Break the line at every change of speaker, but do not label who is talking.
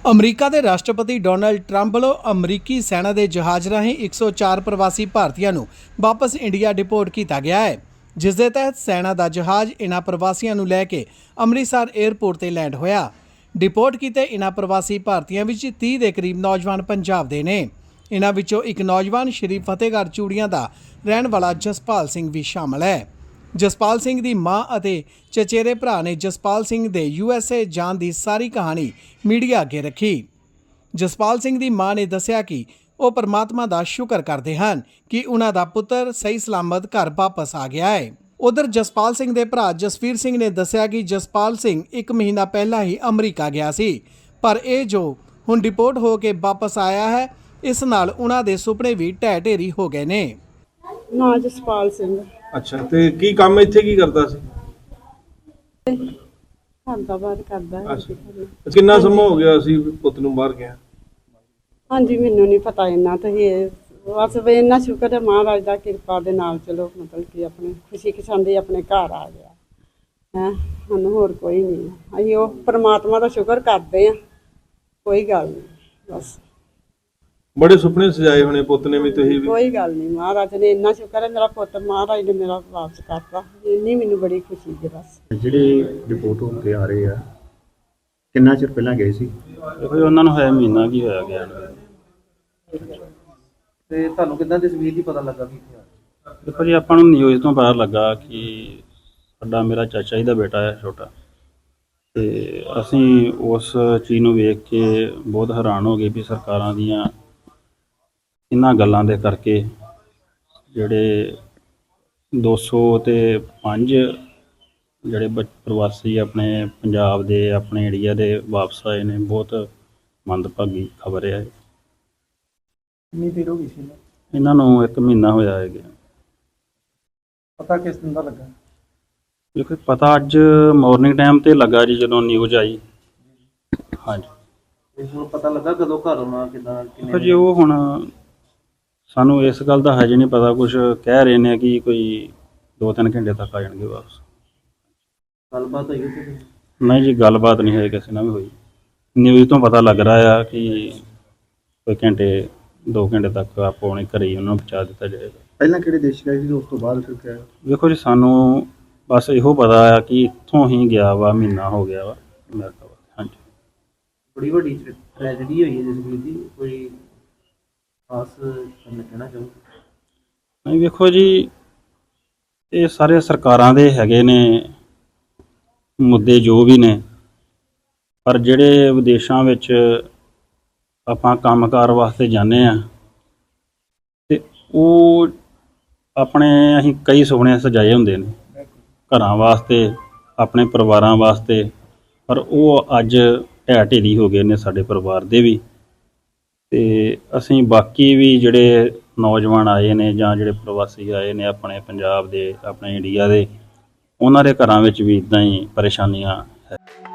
America ਦੇ ਰਾਸ਼ਟਰਪਤੀ Donald Trump ਵੱਲੋਂ ਅਮਰੀਕੀ ਸੈਨਾ ਦੇ ਜਹਾਜ਼ ਰਾਹੀਂ 104 ਪ੍ਰਵਾਸੀ ਭਾਰਤੀਆਂ ਨੂੰ ਵਾਪਸ ਇੰਡੀਆ ਡਿਪੋਰਟ ਕੀਤਾ ਗਿਆ ਹੈ, ਜਿਸ ਦੇ ਤਹਿਤ ਸੈਨਾ ਦਾ ਜਹਾਜ਼ ਇਨ੍ਹਾਂ ਪ੍ਰਵਾਸੀਆਂ ਨੂੰ ਲੈ ਕੇ ਅੰਮ੍ਰਿਤਸਰ 에ਅਰਪੋਰਟ ਤੇ ਲੈਂਡ ਹੋਇਆ। ਡਿਪੋਰਟ ਕੀਤੇ ਇਨ੍ਹਾਂ ਪ੍ਰਵਾਸੀ ਭਾਰਤੀਆਂ ਵਿੱਚ 30 ਦੇ ਕਰੀਬ ਨੌਜਵਾਨ ਪੰਜਾਬ ਦੇ ਨੇ। ਇਨ੍ਹਾਂ ਵਿੱਚੋਂ ਇੱਕ ਨੌਜਵਾਨ ਸ਼੍ਰੀ ਫਤਿਹਗੜ੍ਹ ਚੂੜੀਆਂ ਦਾ ਰਹਿਣ ਵਾਲਾ ਜਸਪਾਲ ਸਿੰਘ ਵੀ ਸ਼ਾਮਲ ਹੈ। ਜਸਪਾਲ ਸਿੰਘ ਦੀ ਮਾਂ ਅਤੇ ਚਚੇਰੇ ਭਰਾ ਨੇ ਜਸਪਾਲ ਸਿੰਘ ਦੇ USA ਜਾਣ ਦੀ ਸਾਰੀ ਕਹਾਣੀ ਮੀਡੀਆ ਅੱਗੇ ਰੱਖੀ। ਜਸਪਾਲ ਸਿੰਘ ਦੀ ਮਾਂ ਨੇ ਦੱਸਿਆ ਕਿ ਉਹ ਪਰਮਾਤਮਾ ਦਾ ਸ਼ੁਕਰ ਕਰਦੇ ਹਨ ਕਿ ਉਹਨਾਂ ਦਾ ਪੁੱਤਰ ਸਹੀ ਸਲਾਮਤ ਘਰ ਵਾਪਸ ਆ ਗਿਆ ਹੈ। ਉਧਰ ਜਸਪਾਲ ਸਿੰਘ ਦੇ ਭਰਾ ਜਸਵੀਰ ਸਿੰਘ ਨੇ ਦੱਸਿਆ ਕਿ ਜਸਪਾਲ ਸਿੰਘ 1 ਮਹੀਨਾ ਪਹਿਲਾਂ ਹੀ ਅਮਰੀਕਾ ਗਿਆ ਸੀ, ਪਰ ਇਹ ਜੋ ਹੁਣ ਡਿਪੋਰਟ ਹੋ ਕੇ ਵਾਪਸ ਆਇਆ ਹੈ, ਇਸ ਨਾਲ ਉਹਨਾਂ ਦੇ ਸੁਪਨੇ ਵੀ ਢਹਿ ਢੇਰੀ ਹੋ ਗਏ ਨੇ।
ਨਾ ਜਸਪਾਲ ਸਿੰਘ।
ਅੱਛਾ, ਤੇ ਕੀ ਕੰਮ ਇੱਥੇ ਕੀ ਕਰਦਾ ਸੀ?
ਘਰ ਦਾ ਬਾਹਰ ਕਰਦਾ ਹੈ।
ਅੱਛਾ, ਕਿੰਨਾ ਸਮਾਂ ਹੋ ਗਿਆ ਸੀ ਪੁੱਤ ਨੂੰ ਬਾਹਰ ਗਿਆ?
ਹਾਂਜੀ, ਮੈਨੂੰ ਨਹੀਂ ਪਤਾ ਇੰਨਾ ਤਾਂ ਇਹ ਬਸ ਵੀ ਇੰਨਾ ਸ਼ੁਕਰ ਹੈ ਮਹਾਰਾਜ ਦਾ ਕਿਰਪਾ ਦੇ ਨਾਲ, ਚਲੋ ਮਤਲਬ ਕਿ ਆਪਣੇ ਖੁਸ਼ੀ ਖਸ਼ਾਂਦੀ ਆਪਣੇ ਘਰ ਆ ਗਿਆ ਹੈ। ਸਾਨੂੰ ਹੋਰ ਕੋਈ ਨਹੀਂ, ਅਸੀਂ ਉਹ ਪਰਮਾਤਮਾ ਦਾ ਸ਼ੁਕਰ ਕਰਦੇ ਹਾਂ, ਕੋਈ ਗੱਲ ਨਹੀਂ। ਬਸ
ਬੜੇ ਸੁਪਨੇ ਸਜਾਏ ਹੋਣੇ ਪੁੱਤ ਨੇ ਵੀ, ਤੁਸੀਂ ਵੀ?
ਕੋਈ ਗੱਲ ਨਹੀਂ, ਮਹਾਰਾਜ ਨੇ ਇੰਨਾ ਸ਼ੁਕਰ ਹੈ ਮੇਰਾ ਪੁੱਤ ਮਹਾਰਾਜ ਨੇ ਮੇਰਾ ਵਾਪਸ ਕਰਤਾ, ਇੰਨੀ ਮੈਨੂੰ ਬੜੀ ਖੁਸ਼ੀ ਹੈ। ਬਸ
ਜਿਹੜੇ ਰਿਪੋਰਟ ਹੋ ਕੇ ਆ ਰਹੇ ਆ, ਕਿੰਨਾ ਚਿਰ ਪਹਿਲਾਂ ਗਏ ਸੀ?
ਦੇਖੋ ਜੀ, ਉਹਨਾਂ ਨੂੰ ਹੋਇਆ ਮਹੀਨਾ ਕੀ ਹੋਇਆ ਗਿਆ ਨੂੰ।
ਤੇ ਤੁਹਾਨੂੰ ਕਿੱਦਾਂ ਤਸਵੀਰ ਦੀ ਪਤਾ ਲੱਗਾ ਵੀ?
ਦੇਖੋ ਜੀ, ਆਪਾਂ ਨੂੰ ਨਿਊਜ਼ ਤੋਂ ਪਤਾ ਲੱਗਾ ਕਿ ਸਾਡਾ ਮੇਰਾ ਚਾਚਾ ਜੀ ਦਾ ਬੇਟਾ ਹੈ ਛੋਟਾ, ਤੇ ਅਸੀਂ ਉਸ ਚੀਜ਼ ਨੂੰ ਵੇਖ ਕੇ ਬਹੁਤ ਹੈਰਾਨ ਹੋ ਗਏ ਵੀ ਸਰਕਾਰਾਂ ਦੀਆਂ ਇਹਨਾਂ ਗੱਲਾਂ ਦੇ ਕਰਕੇ ਜਿਹੜੇ 205 ਜਿਹੜੇ ਪ੍ਰਵਾਸੀ ਆਪਣੇ ਪੰਜਾਬ ਦੇ ਆਪਣੇ ਏਰੀਆ ਦੇ ਵਾਪਸ ਆਏ ਨੇ, ਬਹੁਤ ਮੰਦਭਾਗੀ ਖਬਰ ਹੈ।
ਕਿੰਨੀ ਦੇਰ ਹੋ ਗਈ ਸੀ
ਇਹਨਾਂ ਨੂੰ 1 ਮਹੀਨਾ ਹੋਇਆ ਹੈ ਗਿਆ।
ਪਤਾ ਕਿਸ ਦਿਨ ਦਾ ਲੱਗਾ?
ਦੇਖੋ ਪਤਾ ਅੱਜ ਮਾਰਨਿੰਗ ਟਾਈਮ ਤੇ ਲੱਗਾ ਜੀ, ਜਦੋਂ ਨਿਊਜ਼ ਆਈ। ਹਾਂਜੀ,
ਤੇ ਹੁਣ ਪਤਾ ਲੱਗਾ ਕਦੋਂ ਘਰ ਆਉਣਾ, ਕਿੱਦਾਂ,
ਦੇਖੋ ਜੀ, ਉਹ ਹੁਣ ਸਾਨੂੰ ਇਸ ਗੱਲ ਦਾ ਹਜੇ ਨਹੀਂ ਪਤਾ। ਕੁਝ ਕਹਿ ਰਹੇ ਨੇ ਕਿ ਕੋਈ 2-3 ਘੰਟੇ ਤੱਕ ਆ ਜਾਣਗੇ ਵਾਪਸ।
ਗੱਲਬਾਤ ਹੋਈ ਉੱਥੇ?
ਨਹੀਂ ਜੀ, ਗੱਲਬਾਤ ਨਹੀਂ ਹੋਈ ਕਿਸੇ ਨਾਲ ਵੀ ਹੋਈ। ਨਿਊਜ਼ ਤੋਂ ਪਤਾ ਲੱਗ ਰਿਹਾ ਆ ਕਿ ਕੋਈ 2 ਘੰਟੇ ਤੱਕ ਆਪੋ ਆਪਣੇ ਘਰੇ ਹੀ ਉਹਨਾਂ ਨੂੰ ਪਹੁੰਚਾ ਦਿੱਤਾ ਜਾਏਗਾ।
ਪਹਿਲਾਂ ਕਿਹੜੇ ਦੇਸ਼ ਗਏ ਸੀ, ਉਸ ਤੋਂ ਬਾਅਦ ਫਿਰ ਕਿਹਾ?
ਦੇਖੋ ਜੀ, ਸਾਨੂੰ ਬਸ ਇਹੋ ਪਤਾ ਆ ਕਿ ਇੱਥੋਂ ਹੀ ਗਿਆ ਵਾ, ਮਹੀਨਾ ਹੋ ਗਿਆ ਵਾ ਅਮਰੀਕਾ ਵਾ। ਹਾਂਜੀ,
ਬੜੀ ਵੱਡੀ ਟ੍ਰੈਜਡੀ ਹੋਈ ਹੈ ਜਸਵੀਰ ਦੀ, ਕੋਈ ਖਾਸ ਕਹਿਣਾ ਚਾਹੂੰ?
ਨਹੀਂ, ਵੇਖੋ ਜੀ, ਇਹ ਸਾਰੇ ਸਰਕਾਰਾਂ ਦੇ ਹੈਗੇ ਨੇ ਮੁੱਦੇ ਜੋ ਵੀ ਨੇ, ਪਰ ਜਿਹੜੇ ਵਿਦੇਸ਼ਾਂ ਵਿੱਚ ਆਪਾਂ ਕੰਮਕਾਰ ਵਾਸਤੇ ਜਾਂਦੇ ਆ, ਤੇ ਉਹ ਆਪਣੇ ਅਸੀਂ ਕਈ ਸੁਪਨੇ ਸਜਾਏ ਹੁੰਦੇ ਨੇ ਘਰਾਂ ਵਾਸਤੇ, ਆਪਣੇ ਪਰਿਵਾਰਾਂ ਵਾਸਤੇ, ਪਰ ਉਹ ਅੱਜ ਢਹਿ ਢੇਰੀ ਹੋ ਗਏ ਨੇ ਸਾਡੇ ਪਰਿਵਾਰ ਦੇ ਵੀ। ਤੇ ਅਸੀਂ ਬਾਕੀ ਵੀ ਜਿਹੜੇ ਨੌਜਵਾਨ ਆਏ ਨੇ ਜਾਂ ਜਿਹੜੇ ਪ੍ਰਵਾਸੀ ਆਏ ਨੇ ਆਪਣੇ ਪੰਜਾਬ ਦੇ, ਆਪਣੇ ਇੰਡੀਆ ਦੇ, ਉਹਨਾਂ ਦੇ ਘਰਾਂ ਵਿੱਚ ਵੀ ਇੱਦਾਂ ਹੀ ਪਰੇਸ਼ਾਨੀਆਂ ਹੈ।